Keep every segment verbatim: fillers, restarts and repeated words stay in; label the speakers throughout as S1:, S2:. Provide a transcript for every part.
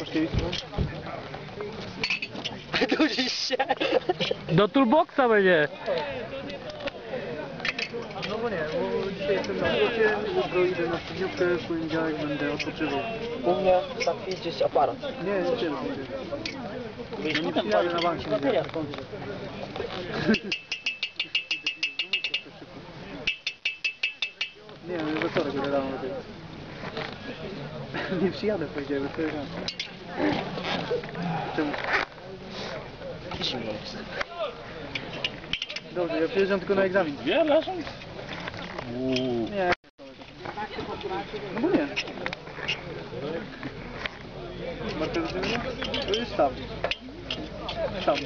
S1: Dudzisz się.
S2: Do toolboxa będzie.
S3: No bo nie, bo dzisiaj jestem na robocie, jutro idę na studniówkę, w poniedziałek będę odpoczywał.
S1: U mnie za chwilę gdzieś aparat.
S3: Nie, nie wiem,
S1: Wiesz,
S3: nie
S1: tam
S3: przyjadę na bank się nie
S1: bateria
S3: wiem.
S1: skończy.
S3: Nie wiem, we wtorek będę rano lepiej. Nie przyjadę, powiedziałem, we wtorek rano. Czemu?
S1: Zimno jest.
S3: Dobrze, ja przyjeżdżam tylko na egzamin.
S2: Ja leżę.
S3: Nie. No bo nie. Markę do tego? To jest sztab. Sztab.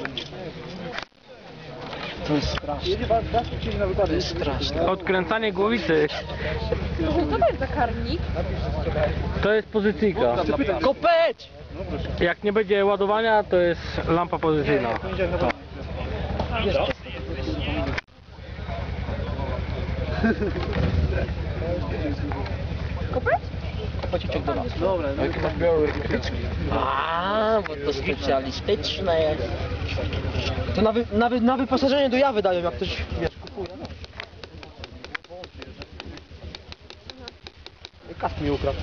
S1: To jest straszne.
S3: Jedzie was, was przyjdzie na wypadek.
S1: To jest straszne.
S2: Odkręcanie głowicy.
S4: Co to jest za karnik?
S2: To jest pozycyjka.
S1: Kopeć!
S2: Jak nie będzie ładowania, to jest lampa pozycyjna.
S3: Poniedziałek na bank.
S4: Kopeć?
S1: Pociczek do nas.
S3: Dobra, no.
S1: A, bo to specjalistyczne jest. To na, wy, na, wy, na wyposażenie do jawy dają, jak ktoś, wiesz, kupuje. No. Kask mi ukradł.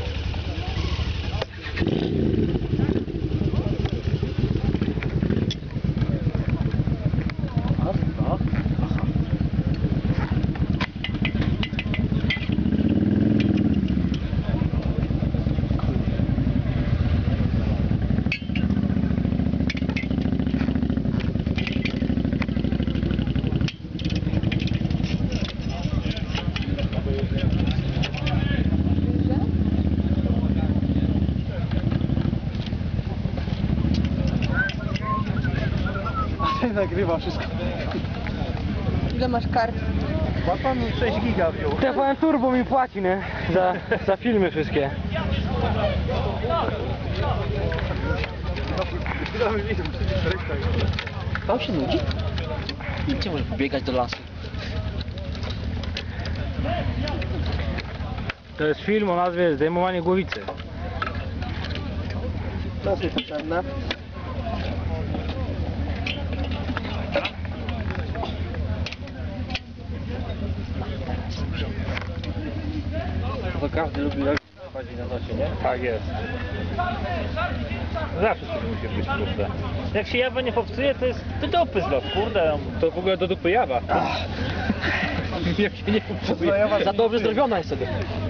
S3: Nagrywa wszystko.
S4: Ile masz kart?
S3: Ma pan sześć giga wziął.
S2: T V N Turbo mi płaci, nie? Za, za filmy wszystkie.
S1: Pan się nudzi? Gdzie może pobiegać do lasu?
S2: To jest film o nazwie Zdejmowanie głowicy.
S1: To jest potrzebne.
S2: To każdy lubi jak chodzi na nosie, nie? Tak jest. Zawsze coś musi być, kurde. Jak się jawa nie popsuje, to jest do dupy zlot, kurde. To w ogóle do dupy jawa. Jak się nie popsuje.
S1: Za dobrze zrobiona jest sobie.